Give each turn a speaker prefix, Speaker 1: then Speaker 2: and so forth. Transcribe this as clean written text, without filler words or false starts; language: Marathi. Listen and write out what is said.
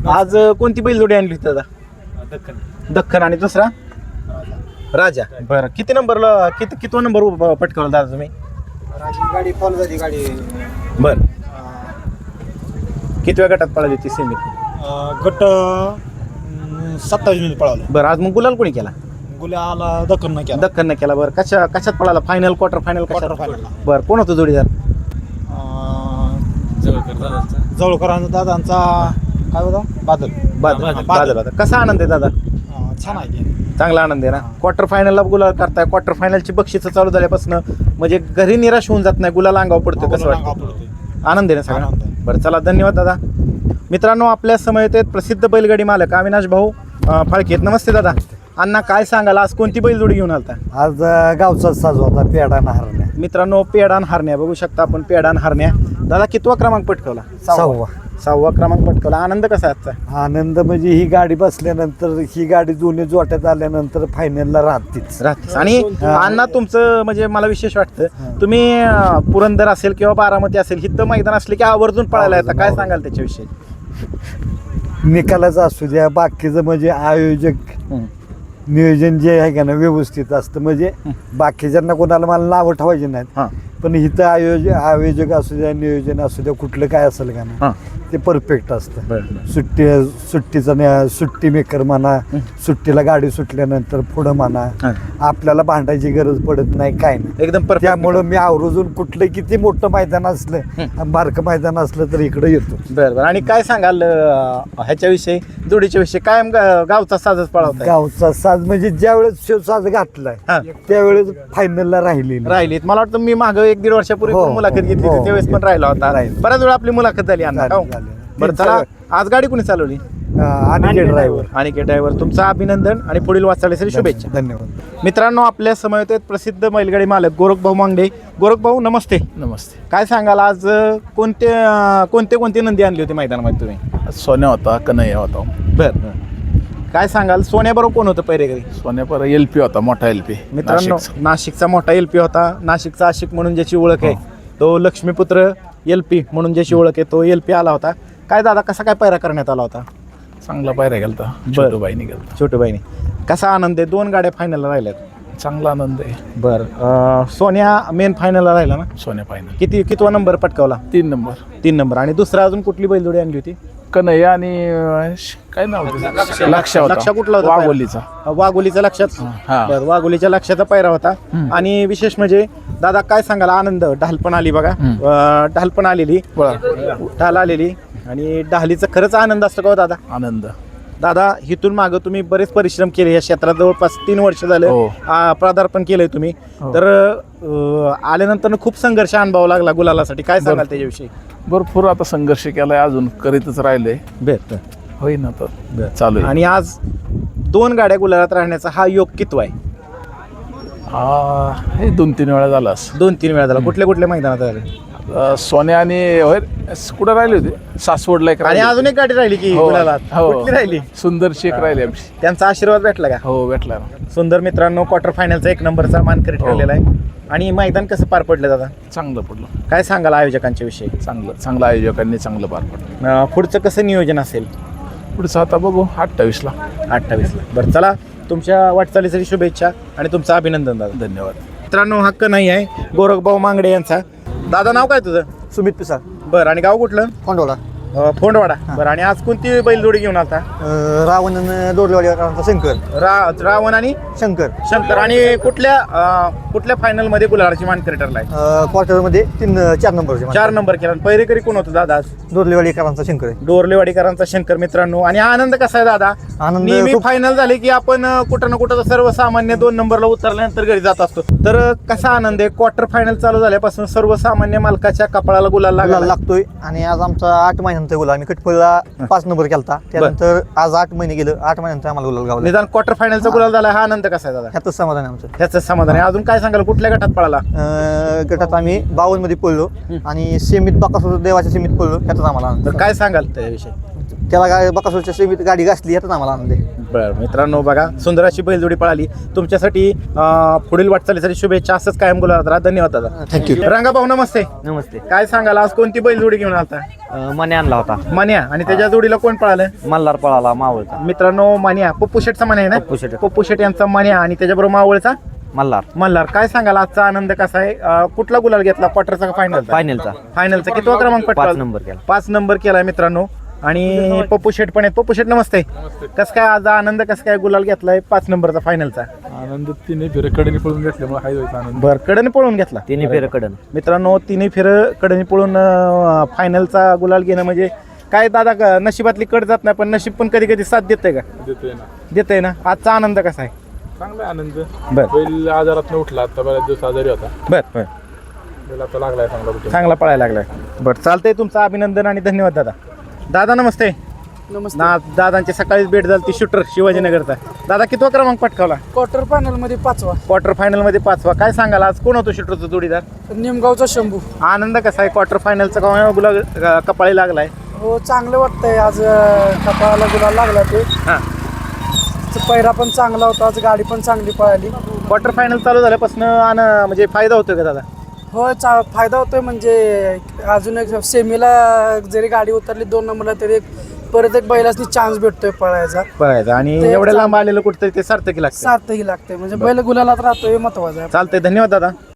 Speaker 1: आज कोणती बैलजोडी आणली होती दादा? दख्खन आणि दुसरा राजा. बरं किती नंबरला कितवा नंबर पटकावला दादा तुम्ही?
Speaker 2: गाडी फॉलो झाली गाडी.
Speaker 1: बर कितव्या गटात पळाली ती सेमीत?
Speaker 2: गट 27 मिनिट पळालो.
Speaker 1: बरं आज मग गुलाल कोणी केला?
Speaker 2: गुलाला दखन केला.
Speaker 1: दख्खन केला. बरं कशात पळाला? Final quarter final
Speaker 2: quarter final.
Speaker 1: बरं कोण होतं जोडीदार?
Speaker 2: जवळकरांचा दादांचा काय होता? बादल.
Speaker 1: बादल. कसा आनंद आहे दादा?
Speaker 2: छान आहे.
Speaker 1: चांगला आनंद आहे ना. क्वार्टर फायनलला गुलाल करताय. क्वार्टर फायनलची बक्षिसं चालू झाल्यापासून म्हणजे घरी निराश होऊन जात नाही. गुलाल अंगावर पडतो. कसं वाटतं? आनंद आहे ना सगळा. बरं चला धन्यवाद दादा. मित्रांनो आपल्या समयेत प्रसिद्ध बैलगाडी मालक अविनाश भाऊ फाळके. नमस्ते दादा. अण्णा काय सांगाल आज कोणती बैलजोडी घेऊन आलता?
Speaker 3: आज गावचाच साज होता पेडा आणि हरण्या.
Speaker 1: मित्रांनो पेडा आणि हरण्या बघू शकता आपण. पेडा आणि हरण्या. दादा कितवा क्रमांक पटकवला? 6वा क्रमांक पटकवला. आनंद कसा आहे आजचा?
Speaker 3: आनंद म्हणजे ही गाडी बसल्यानंतर ही गाडी दोन्ही जोट्यात आल्यानंतर फायनलला राहतेच.
Speaker 1: आणि अण्णा तुमचं म्हणजे मला विशेष वाटतं तुम्ही पुरंदर असेल किंवा बारामती असेल हिथं मैदान असले की आवर्जून पळायला येतं. काय सांगाल त्याच्याविषयी?
Speaker 3: निकालाचं असू द्या बाकीचं म्हणजे आयोजक नियोजन जे आहे का ना व्यवस्थित असतं. म्हणजे बाकीच्यांना कोणाला मला नावं ठेवायचे नाहीत पण इथं आयोजक असू द्या नियोजन असू द्या कुठलं काय असेल का ना ते परफेक्ट असतं. सुट्टी मेकर म्हणा सुट्टीला गाडी सुटल्यानंतर पुढं म्हणा आपल्याला भांडायची गरज पडत नाही काय नाही
Speaker 1: एकदम.
Speaker 3: त्यामुळं मी आवर्जून कुठलं किती मोठं मैदान असलं बारकं मैदान असलं तर इकडे येतो.
Speaker 1: बरं. आणि काय सांगाल ह्याच्याविषयी जोडीच्या विषयी? कायम गावचा साजच पळवता?
Speaker 3: गावचा साज म्हणजे ज्यावेळेस शिवसाज घातलाय त्यावेळेस फायनलला राहिलीत.
Speaker 1: मला वाटतं मी मागं 1-1.5 वर्षापूर्वी मुलाखत घेतली होती त्यावेळेस पण राहिला होता. बऱ्याच वेळा आपली मुलाखत झाली अण्णा. बरं चला आज गाडी कोणी चालवली? अनिकेत ड्रायव्हर. तुमचं अभिनंदन आणि पुढील वाटचालीसाठी शुभेच्छा.
Speaker 3: धन्यवाद.
Speaker 1: मित्रांनो आपल्या समवेत प्रसिद्ध बैलगाडी मालक गोरखभाऊ मांगडे. गोरखभाऊ नमस्ते.
Speaker 4: नमस्ते.
Speaker 1: काय सांगाल आज कोणते नंदी आणली होती मैदानामध्ये तुम्ही?
Speaker 4: सोन्या होता कन्हैया होता.
Speaker 1: बरं काय सांगाल सोन्याबरोबर कोण होतं पहिरेकरी?
Speaker 4: सोन्यापर LP होता मोठा LP.
Speaker 1: मित्रांनो नाशिकचा मोठा LP होता. नाशिकचा आशिक म्हणून ज्याची ओळख आहे तो लक्ष्मीपुत्र LP म्हणून ज्याची ओळख आहे तो LP आला होता. काय दादा कसा काय पैरा करण्यात आला होता?
Speaker 4: चांगला पायऱ्या गेलता. छोटूबाईनी गेलता.
Speaker 1: छोटूबाईने. कसा आनंद आहे? 2 गाड्या फायनलला राहिल्यात.
Speaker 4: चांगला आनंद आहे.
Speaker 1: बरं सोन्या मेन फायनलला राहिला ना?
Speaker 4: सोन्या फायनल.
Speaker 1: कितवा नंबर पटकावला?
Speaker 4: 3 नंबर.
Speaker 1: 3 नंबर. आणि दुसरा अजून कुठली बैलजोडी आणली होती?
Speaker 4: कन्हैया आणि काय नाव होतं? लक्ष
Speaker 1: कुठला होता? वाघोलीचा लक्षात. बरं वाघोलीच्या लक्षाचा पैरा होता. आणि विशेष म्हणजे दादा काय सांगाल आनंद ढालपण आली बघा. ढालपण आलेली ढाल आलेली आणि ढालीचा खरंच आनंद असतो का दादा?
Speaker 4: आनंद.
Speaker 1: दादा इथून मागं तुम्ही बरेच परिश्रम केले या क्षेत्रात. जवळपास 3 वर्ष झाले पदार्पण केलंय तुम्ही. तर आल्यानंतर खूप संघर्ष अनुभव लागला गुलालासाठी. काय सांगाल त्याच्याविषयी?
Speaker 4: भरपूर आता संघर्ष केलाय अजून करीतच राहिलंय.
Speaker 1: बेहतर
Speaker 4: होईना तर चालू आहे.
Speaker 1: आणि आज 2 गाड्या गुलालात राहण्याचा हा योग कितवा आहे?
Speaker 4: हे 2-3 वेळा झाला.
Speaker 1: 2-3 वेळा झाला. कुठल्या मैदानात झाले?
Speaker 4: सोन्या आणि कुठं राहिली होती? सासवडला एक.
Speaker 1: आणि अजून एक गाडी राहिली की गुलालात? कुठली राहिली?
Speaker 4: सुंदर शेख राहिली आमची.
Speaker 1: त्यांचा आशीर्वाद भेटला का?
Speaker 4: हो भेटला.
Speaker 1: सुंदर. मित्रांनो क्वार्टर फायनलचा 1 नंबरचा मानकरी ठरलेला आहे. आणि मैदान कसं पार पडलं दादा?
Speaker 4: चांगलं पडलं.
Speaker 1: काय सांगाल आयोजकांच्या विषयी?
Speaker 4: चांगलं आयोजकांनी चांगलं पार पडलं.
Speaker 1: पुढचं कसं नियोजन असेल?
Speaker 4: पुढचं आता बघू 28ला.
Speaker 1: 28ला. बरं चला तुमच्या वाटचालीसाठी शुभेच्छा आणि तुमचं अभिनंदन दादा.
Speaker 4: धन्यवाद.
Speaker 1: मित्रांनो हक्क नाही आहे गोरखभाऊ मांगडे यांचा. दादा नाव काय तुझं?
Speaker 2: सुमित पिसाळ.
Speaker 1: बरं. आणि गाव कुठलं?
Speaker 2: फोंडोला.
Speaker 1: फोंडवाडा. बरं. आणि आज कोणती बैलजोडी घेऊन आता?
Speaker 2: रावण दोरलेवाडीकरांचा शंकर.
Speaker 1: रावण आणि शंकर. आणि कुठल्या फायनल मध्ये गुलालाची मानकरी ठरलाय?
Speaker 2: क्वार्टर मध्ये 4 नंबर.
Speaker 1: 4 नंबर केला. पहिरेकरी कोण होतं दादा?
Speaker 2: दोरलेवाडीकरांचा शंकर.
Speaker 1: डोरलेवाडीकरांचा शंकर. मित्रांनो आणि आनंद कसा आहे दादा? नेहमी फायनल झाले की आपण कुठं ना कुठं सर्वसामान्य 2 नंबरला उतरल्यानंतर घरी जात असतो. तर कसा आनंद आहे? क्वार्टर फायनल चालू झाल्यापासून सर्वसामान्य मालकाच्या कपाळाला गुलाल
Speaker 2: लागतोय. आणि आज आमचा 8 महिन्यांचा गुलाल. आम्ही कटपळला 5 नंबर केलता. त्यानंतर आज 8 महिने गेलं. 8 महिन्यानंतर आम्हाला गुलाल गावला.
Speaker 1: निदान क्वार्टर फायनलचा गुलाल झाला. हा आनंद कसा आहे दादा?
Speaker 2: ह्याच समाधान आहे आमचं.
Speaker 1: ह्याच समाधान आहे. अजून काय सांगाल कुठल्या गटात पळाला?
Speaker 2: गटात आम्ही 52 मध्ये पडलो आणि सेमीत बकासूर देवाच्या सेमीत पडलो. ह्याचाच आम्हाला आनंद.
Speaker 1: काय सांगाल त्याविषयी?
Speaker 2: त्याला बकासूरच्या सेमीत गाडी घासली ह्याचाच आम्हाला आनंद आहे.
Speaker 1: बरं मित्रांनो बघा सुंदर अशी बैलजोडी पळाली तुमच्यासाठी पुढील वाटचालीसाठी शुभेच्छा असंच कायम गुलाबात राहा धन्यवाद दादा
Speaker 2: थँक्यू.
Speaker 1: रंगा भाऊ नमस्ते
Speaker 2: नमस्ते.
Speaker 1: काय सांगाल आज कोणती बैलजोडी घेऊन आलता
Speaker 2: मने आणला होता.
Speaker 1: मान्या आणि त्याच्या जोडीला कोण पळालं
Speaker 2: मल्हार पळाला मावळचा.
Speaker 1: मित्रांनो मान्या पप्पू शेटचा मान्या आहे
Speaker 2: पप्पू शेट.
Speaker 1: ना पप्पू शेट यांचा मान्या आणि त्याच्याबरोबर मावळचा
Speaker 2: मल्हार
Speaker 1: मल्हार काय सांगाल आजचा आनंद कसा आहे कुठला गुलाल घेतला क्वार्टरचा का फायनलचा
Speaker 2: फायनलचा
Speaker 1: फायनलचा कितवा क्रमांक
Speaker 2: 5
Speaker 1: पटकावला?
Speaker 2: नंबर केला.
Speaker 1: 5 नंबर केलाय मित्रांनो आणि पप्पू शेट पण आहेत पप्पू शेट नमस्ते कसं काय आज आनंद कसं काय गुलाल घेतलाय 5 नंबरचा फायनलचा
Speaker 4: आनंद तिने फिरकडे पळून घेतल्यामुळे हाय व्हायचा आनंद.
Speaker 1: बर कडने पळून घेतला
Speaker 2: तिन्ही फेर कडन.
Speaker 1: मित्रांनो तिन्ही फेर कडनी पळून फायनलचा गुलाल घेणं म्हणजे काय दादा नशिबातली कड जात नाही पण नशीब पण कधी कधी साथ देतंय का
Speaker 4: देतोय ना.
Speaker 1: देतंय ना आजचा आनंद कसा आहे
Speaker 4: चांगला आनंद.
Speaker 1: बर
Speaker 4: बैल आजारात उठला आता बऱ्याच दिवस आजारी होता.
Speaker 1: बर बर
Speaker 4: बैल आता लागलाय चांगला कुठे.
Speaker 1: चांगला पळायला लागलाय बरं चालतंय तुमचं अभिनंदन आणि धन्यवाद दादा दादा नमस्ते दादांची सकाळीच भेट झाली ती शूटर शिवाजीनगरचा दादा कितवा क्रमांक पटकावला
Speaker 5: क्वार्टर फायनल मध्ये 5वा
Speaker 1: क्वार्टर फायनल मध्ये 5वा काय सांगाल आज कोण होतो शूटरचा जोडीदार
Speaker 5: निमगावचा शंभू.
Speaker 1: आनंद कसा आहे क्वार्टर फायनलचा गुलाल कपाळी लागलाय
Speaker 5: हो चांगलं वाटतंय आज कपाळाला गुलाल लागला ते.
Speaker 1: हा
Speaker 5: पैरा पण चांगला होता आज गाडी पण चांगली पळाली.
Speaker 1: क्वार्टर फायनल चालू झाल्यापासून म्हणजे फायदा होतोय का दादा
Speaker 5: हो फायदा होतोय म्हणजे अजून एक सेमीला जरी गाडी उतरली 2 नंबरला तरी परत एक बैलासनी चान्स भेटतोय पळायचा.
Speaker 1: पळायचा आणि
Speaker 5: ते
Speaker 1: एवढ्या लांब आलेलं कुठतरी ते सार्थकी लागतं
Speaker 5: सार्थही लागते म्हणजे बैल गुलालात राहतोय महत्वाचं आहे.
Speaker 1: चालतंय धन्यवाद दादा